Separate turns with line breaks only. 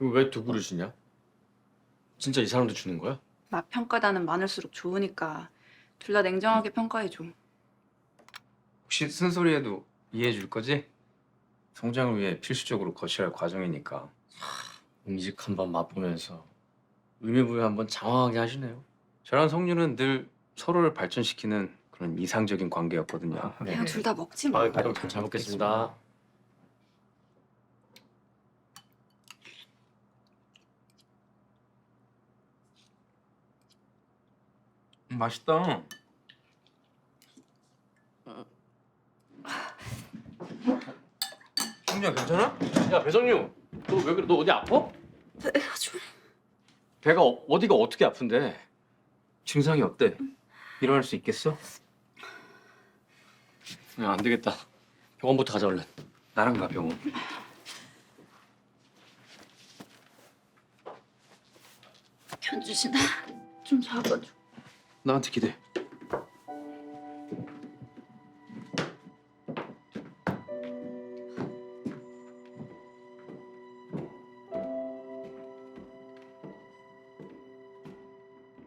이거 왜 두 그릇이냐? 진짜 이 사람도 주는 거야?
맛 평가단은 많을수록 좋으니까 둘 다 냉정하게 평가해줘.
혹시 쓴소리해도 이해해 줄 거지? 성장을 위해 필수적으로 거쳐야 할 과정이니까.
음식 한번 맛보면서 의미부여 한번 장황하게 하시네요.
저랑 성유는 늘 서로를 발전시키는 그런 이상적인 관계였거든요.
그냥 둘 다 먹지 뭐.
그럼 잘 먹겠습니다.
맛있다. 성유야 괜찮아?
야 배성유, 너 왜 그래? 너 어디 아파?
배가 좀...
배가 어디가 어떻게 아픈데?
증상이 어때? 일어날 수 있겠어?
야, 안 되겠다. 병원부터 가자 얼른.
나랑 가 병원.
견주신아 좀 잡아줘.
나한테 기대.